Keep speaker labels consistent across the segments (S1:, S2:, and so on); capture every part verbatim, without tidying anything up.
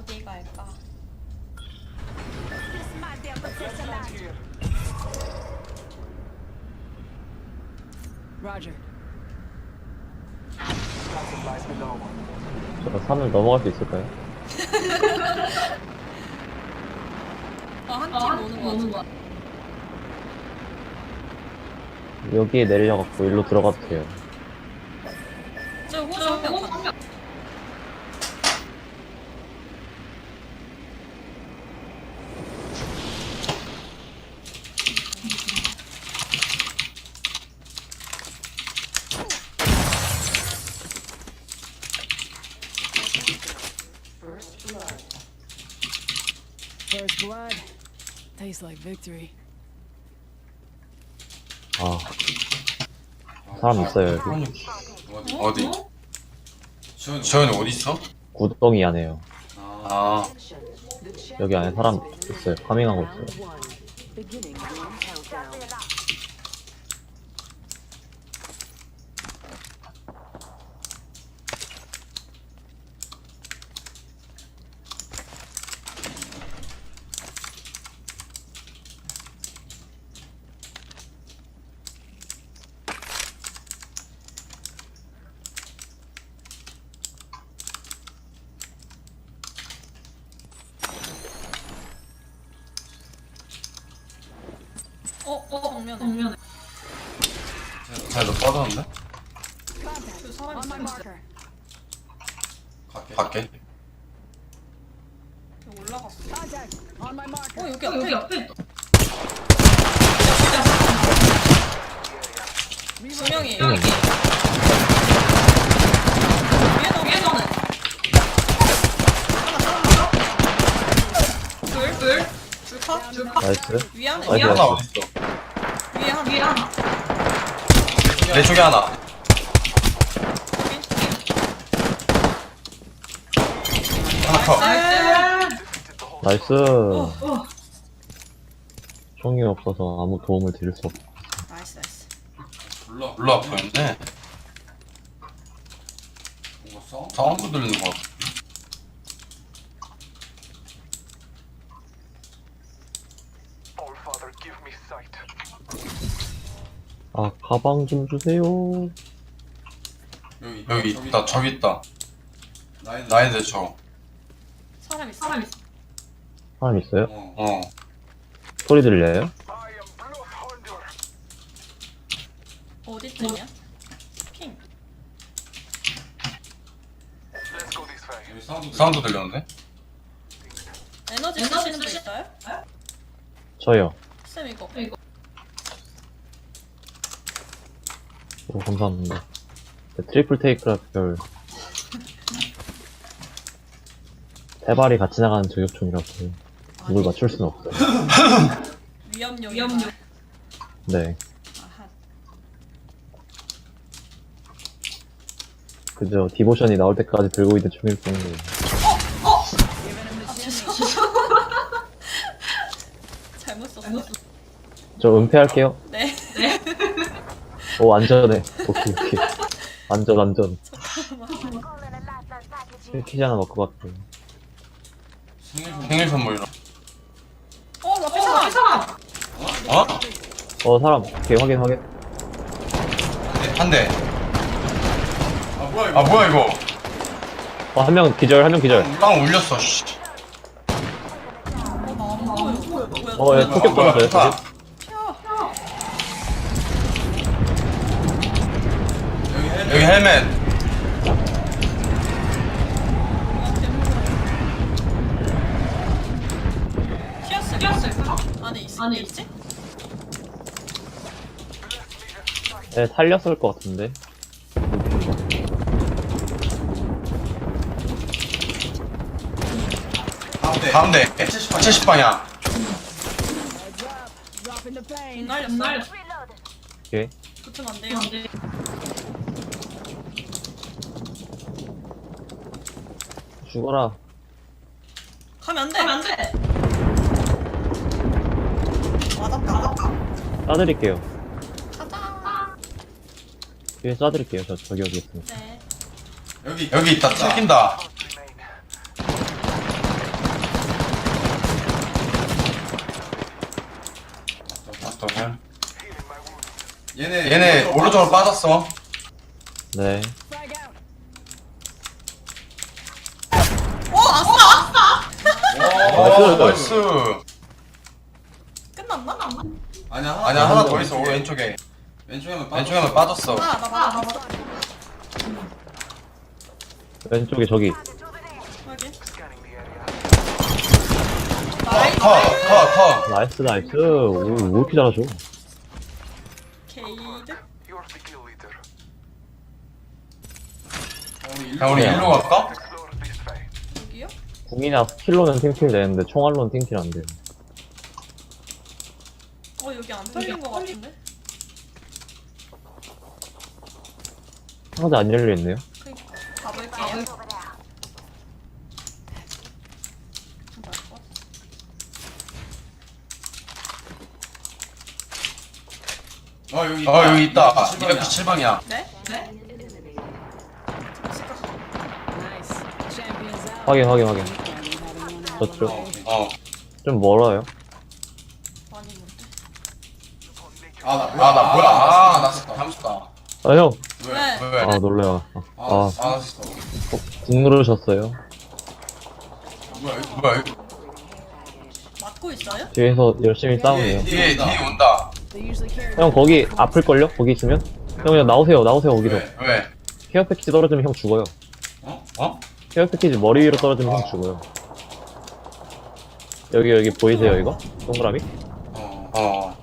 S1: 어디 갈까?
S2: Roger.
S3: 저 산을 넘어갈 수 있을까요?
S1: 어, 한 팀 오는 거 같아.
S3: 여기에 내려갖고 일로 들어가도 돼요.
S1: 저 호수 한명 간다.
S2: First blood. Tastes like victory.
S3: 아, 사람 있어요 여기.
S4: 어디? 지현이 어디 있어?
S3: 구덩이 안에요.
S4: 아,
S3: 여기 안에 사람 있어요. 파밍하고 있어요.
S2: Beginning ring countdown.
S1: 어, 어, 정면에. 정면에.
S4: 쟤너 빠졌는데?
S1: 그 사람
S2: On my
S1: 있어.
S2: marker.
S4: 갈게.
S1: 여기 올라갔어.
S2: Contact. On my marker.
S1: 어, 여기 앞에. 여기 앞에. 두 명이에요.
S3: 응.
S1: 위에 위에 너는. 둘, 둘. 둘 컷, 둘 컷.
S3: 나이스.
S1: 위에 하나,
S3: 나이스.
S1: 위에
S4: 하나
S1: 하나.
S4: 어디 있어?
S1: 위에 하나. 위에 하나.
S4: 내 쪽에 하나. 하나 더.
S1: 나이스.
S3: 나이스. 총이 없어서 아무 도움을 드릴 수 없어.
S1: 나이스, 나이스.
S4: 올라 올라 보였네. 뭔가 사운드 들리는 거 같아.
S5: Allfather, give me sight.
S3: 아, 가방 좀 주세요.
S4: 여기 여기 있다. 저기 있다. 나인데 저.
S1: 사람 있어. 사람 있어.
S3: 사람 있어요?
S4: 어. 어.
S3: 소리 들려요?
S5: I am Blood Hunter.
S1: 어디쯤이야? 핑.
S5: Let's go this way.
S4: 여기 사운드 사운드 들렸는데?
S1: 에너지 쓰실 수 있어요?
S3: 저요.
S1: 쌤 이거. 이거.
S3: 오, 감사합니다. 네, 트리플 테이크라 별. 세 발이 같이 나가는 저격총이라서 누굴 맞출 수는 없어요.
S1: 위험용. 위험용.
S3: 네.
S1: 아하.
S3: 그저 디보션이 나올 때까지 들고 있는 총일 뿐이에요.
S1: 잘못 썼어.
S3: 저 은폐할게요.
S1: 네.
S3: 오, 안전해. 오케이, 오케이. 안전, 안전. 킬키지 하나 먹고 갈게요.
S4: 생일 선물이라.
S1: 어, 나 삐사람. 삐사람.
S4: 어?
S3: 어, 사람. 오케이, 확인, 확인.
S4: 한 대. 아 뭐야 이거?
S3: 어, 한 명 기절, 한 명 기절.
S4: 땅 울렸어. 씨.
S1: 어, 나안 보여. 뭐야?
S3: 어, 예, 폭격
S4: 뭐야,
S3: 받았어요,
S4: 뭐야.
S3: 저기.
S4: 여기 헬멧.
S1: 튀었을 튀었을 안에 있어. 안에 있지?
S3: 네, 살렸을 것 같은데.
S4: 가운데. 칠십 방향.
S2: Heads up. Dropping the pain.
S1: 날렸어. 날렸어.
S3: 오케이.
S1: 붙으면 안 돼요. 안 돼.
S3: 죽어라.
S1: 가면 안 돼. 가면 안 돼. 맞았다. 맞았다.
S3: 쏴드릴게요.
S1: 가자.
S3: 뒤에 쏴드릴게요. 저, 저기 여기 있습니다.
S1: 네.
S4: 여기 여기 있다. 뺏긴다.
S5: Remain.
S4: 얘네 얘네 오른쪽으로 빠졌어.
S3: 네.
S2: Frag out.
S1: 어 아싸 아싸.
S4: 오 나이스.
S1: 끝났나?
S4: 아니야 하나, 아니야 하나 더 있어. 왼쪽에 왼쪽에만 왼쪽에만 빠졌어.
S1: 아나 맞아 맞아.
S3: 왼쪽에 저기.
S1: 확인.
S5: Scanning the area.
S1: 나이스.
S4: 컷컷컷.
S3: 나이스, 나이스. 오, 왜 이렇게 잘하죠?
S1: 게이드.
S5: You're the kill leader.
S4: 야 우리 일로 갈까?
S5: Explore this way.
S1: 여기요?
S3: 궁이나 스킬로는 팀킬 되는데 총알로는 팀킬 안 돼요.
S1: 어 여기 안 털린 거 같은데?
S3: 상자 안 열려있네요.
S1: 그니까 가볼게요.
S4: 어 여기 있다. 어 여기 있다. 이백구십칠 방이야.
S1: 네? 네?
S2: Nice. Champions out.
S3: 확인, 확인, 확인.
S2: Having one hell of a
S3: 저쪽.
S2: day.
S4: 어.
S3: 좀 멀어요.
S1: 많이 있는데.
S4: 아나 뭐야? 아, 나 뭐야? 아, 나 잠수다.
S3: 아, 형.
S1: 왜?
S4: 왜?
S3: 아, 놀래요. 아,
S4: 아, 아, 진짜.
S3: 궁 누르셨어요.
S4: 뭐야? 이거 뭐야? 이거.
S1: 맞고 있어요?
S3: 뒤에서 열심히 싸우네요.
S4: 뒤에 뒤에 온다.
S2: They usually carry
S3: 형, 거기 아플걸요? 거기 있으면? 형, 그냥 나오세요, 나오세요, 거기서.
S4: 왜? 왜?
S3: 케어 패키지 떨어지면 형 죽어요.
S4: 어? 어?
S3: 케어 패키지 머리 위로 떨어지면 형 죽어요. 여기, 여기 보이세요, 이거? 동그라미?
S4: 어. 어.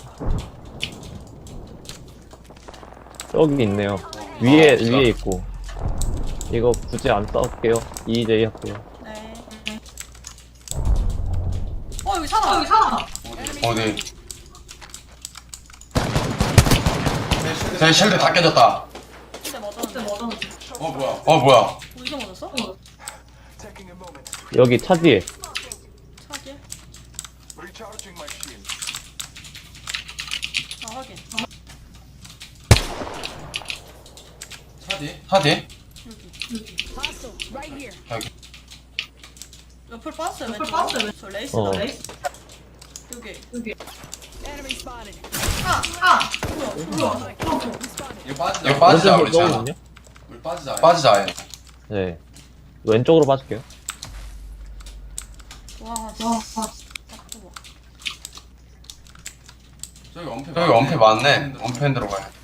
S3: 여기 있네요. 위에, 위에 있고. 이거 굳이 안 싸울게요. 이제이 할게요.
S1: 네. 어 여기 사람. 여기 사람.
S4: 어디? 제 실드 다 깨졌다.
S1: 근데 맞았는데. 맞았는데.
S4: 어 뭐야? 어 뭐야?
S1: 어디서 맞았어?
S5: Taking a moment.
S3: 여기 차 뒤에.
S1: 차지.
S5: Recharging my shield.
S1: 아 확인.
S4: 차디? 차디?
S2: hostile right here.
S4: 여기.
S1: 옆을 빠졌어요. 옆을 빠졌어요. 왼쪽. 저 레이스.
S3: 어.
S1: 레이스. 여기. 여기.
S2: Enemy spotted.
S1: 아 아. 뭐야? 뭐야?
S5: Spotted.
S4: 이거 빠지자. 이거 빠지자 우리 차.
S3: 거거든요?
S4: 우리 빠지자. 빠지자. 아예.
S3: 네. 왼쪽으로 빠질게요.
S1: 와. 와. 바꿔봐.
S4: 저기 엄폐. 저기 엄폐 많네. 엄폐 들어가야 돼.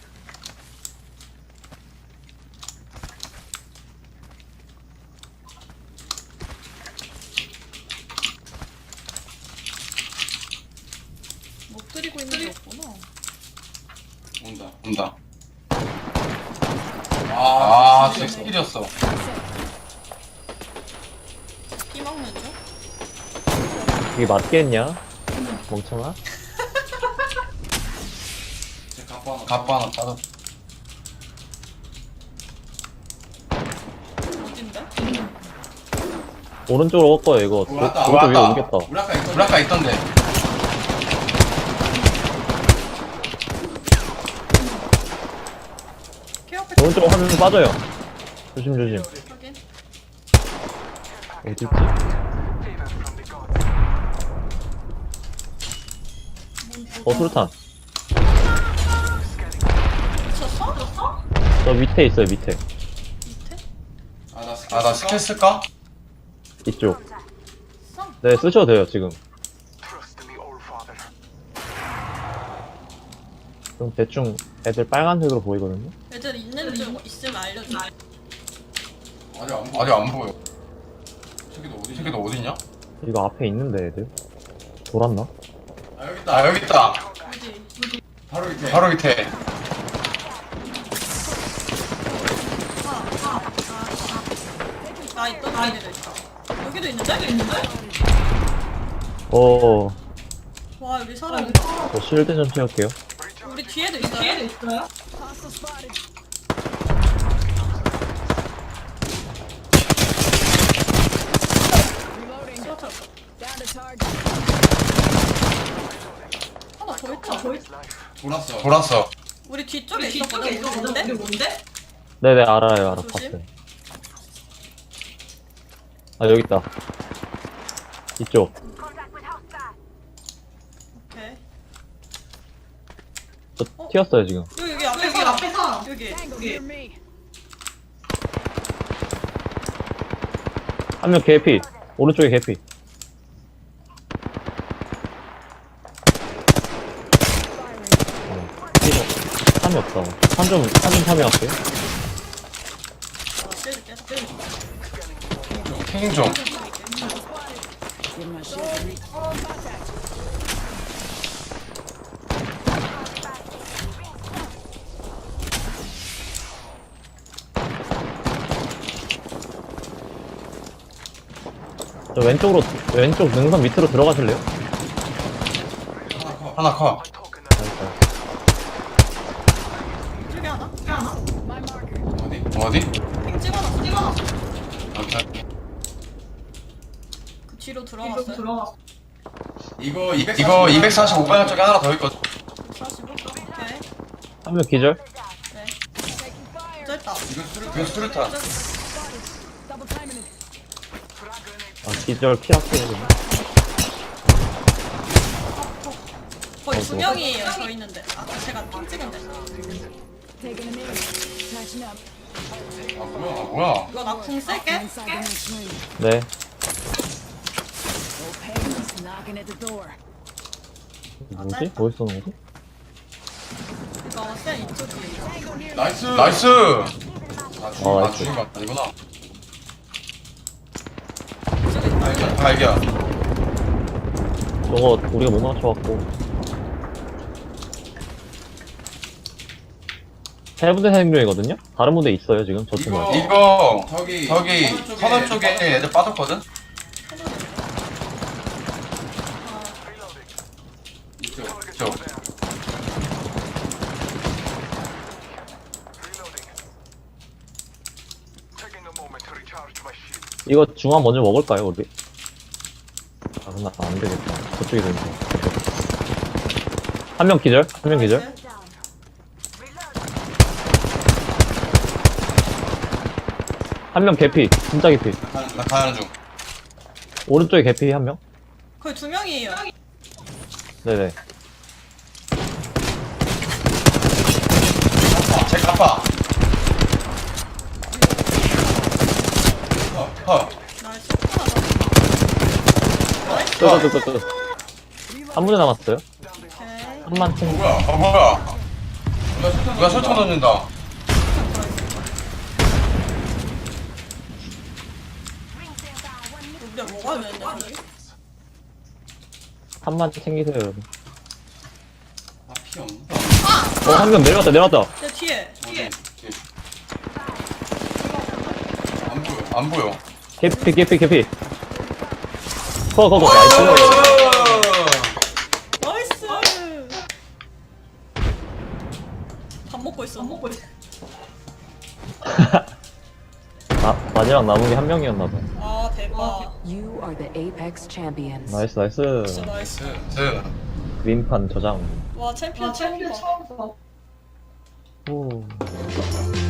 S1: 못 들이고 있는 게 없구나.
S4: 온다. 온다. 아, 진짜 스킬이었어.
S1: 피 먹는 중?
S3: 이게 맞겠냐? 멍청아?
S4: 갑바 하나 빠졌.
S1: 어딘데?
S3: 오른쪽으로 올 거예요, 이거. 오-
S4: 왔다.
S3: 오른쪽 위로
S4: 왔다.
S3: 옮겼다.
S4: 우리 아까 있던. 우리 아까 있던데.
S1: 케어 패키
S3: 오른쪽으로 화면 빠져요. 조심, 조심.
S1: 확인.
S3: 어딨지?
S5: Favor from the gods.
S3: 어, 수류탄.
S1: 미쳤어? 미쳤어?
S3: 저 밑에 있어요, 밑에.
S1: 밑에?
S4: 아, 나 스킬, 아, 나 스킬 쓸까?
S3: 이쪽.
S1: 썸?
S3: 네, 쓰셔도 돼요, 지금.
S5: Trust in the All Father.
S3: 좀 대충 애들 빨간색으로 보이거든요?
S1: 애들 있는 중 있으면 알려줘.
S4: 아직 안 보여. 아직 안 보여. 저기도 어디? 저기도 어디냐?
S3: 이거 앞에 있는데, 애들. 돌았나?
S4: 아, 여기 있다. 아, 여기 있다.
S1: 어디?
S4: 바로 밑에. 바로 밑에.
S1: 나 있던 데도 있다. 여기도 있는데? 여기 있는데?
S3: 어,
S1: 와 여기 사람 있다.
S3: 저 실드 좀 채울게요.
S1: 우리 뒤에도 있어요? 뒤에도 있어요?
S2: Hostile spotted. Reloading.
S1: 쓰러져.
S2: Down to target.
S1: 하나 더 있다. 더 있다.
S4: 돌았어. 돌았어.
S1: 우리 뒤쪽에 있었거든. 우리 뭔데? 우리 뭔데?
S3: 네네, 알아요, 알아.
S1: 조심.
S3: 봤어요. 아, 여기 있다. 이쪽.
S1: 오케이.
S3: 저 튀었어요 지금.
S1: 여기 여기 앞에 사람 앞에 사람 여기
S2: Tango
S1: 여기
S2: near me.
S3: 한 명 개피. 오른쪽에 개피.
S2: Firing.
S3: 참이 없다. 한점 한점 참이 할게.
S1: 아 쟤들 계속 쟤들
S4: 킹 좀.
S2: Give my shield a re- Contact.
S3: 저 왼쪽으로 왼쪽 능선 밑으로 들어가실래요?
S4: 하나 컷.
S1: 저기 하나 저기 하나
S2: My marker.
S4: 어디? 어디?
S1: 핑 찍어놨어 찍어놨어
S4: 오케이.
S1: 그 뒤로 들어갔어요 들어갔어
S4: 이거 이거 이백사십오 방향 쪽에 하나 더 있거든.
S1: 사십오 오케이
S3: 한 명 기절.
S1: 네
S2: Taking fire.
S1: 짧다
S4: 이거 수류 이거 수류탄.
S2: Double timing it.
S3: 아 기절 피할게.
S1: 거의 두 명이에요 저 있는데 아 제가 핑 찍은데
S2: Taking a knee. Patching up.
S4: 아 뭐야? 아 뭐야?
S1: 이거 나 궁 쓸게
S2: Inside the next ring.
S3: 네.
S2: No pains knocking at the door.
S3: 뭐지? 어디 쏘는 거지?
S1: 이거 쌤 이쪽이에요
S2: Tango near me.
S4: 나이스. 나이스. 아 죽인
S3: 어,
S4: 아
S3: 나이스.
S4: 죽인 거 아니구나.
S1: 이쪽에 있다
S4: 발견 발견.
S3: 저거 우리가 못 맞춰갖고. 세 분대 생명이거든요? 다른 분대 있어요 지금 저 친구.
S4: 이거 이거 저기 저기 서던 쪽에 애들 빠졌거든. 이쪽 이쪽.
S5: Reloading. Taking a moment to recharge my shield.
S3: 이거 중앙 먼저 먹을까요 우리? 아 근데 안 되겠다. 저쪽이 되니까. 한 명 기절? 한 명 기절? 한 명 개피. 진짜 개피.
S4: 나 가는 중.
S3: 오른쪽에 개피 한 명?
S1: 거의 두 명이에요
S3: 네네.
S4: 제 갚아. 어, 어.
S1: 나이스 하나
S3: 끄끄끄끄. 한 분대 남았어요?
S1: 오케이
S3: 한만 총.
S4: 뭐야? 어 뭐야? 누가, 누가 설탕 넣는다.
S1: 우리가 뭐가 되는데 저기?
S3: 한만 챙기세요 여러분.
S4: 아 피 없나?
S3: 어 한 명 내려왔다 내려왔다.
S1: 제 뒤에 뒤에
S4: 어디? 안 보여. 안 보여.
S3: 개피 개피 개피. 거거거 나이스.
S1: 나이스 밥 먹고 있어 밥 먹고 있어
S3: 아 마지막 남은 게 한 명이었나봐.
S1: 아 대박
S6: You are the Apex champions.
S3: 나이스 나이스.
S1: 진짜 나이스
S4: 즈.
S3: 윈판 저장.
S1: 와 챔피언 처음 봐
S3: 오.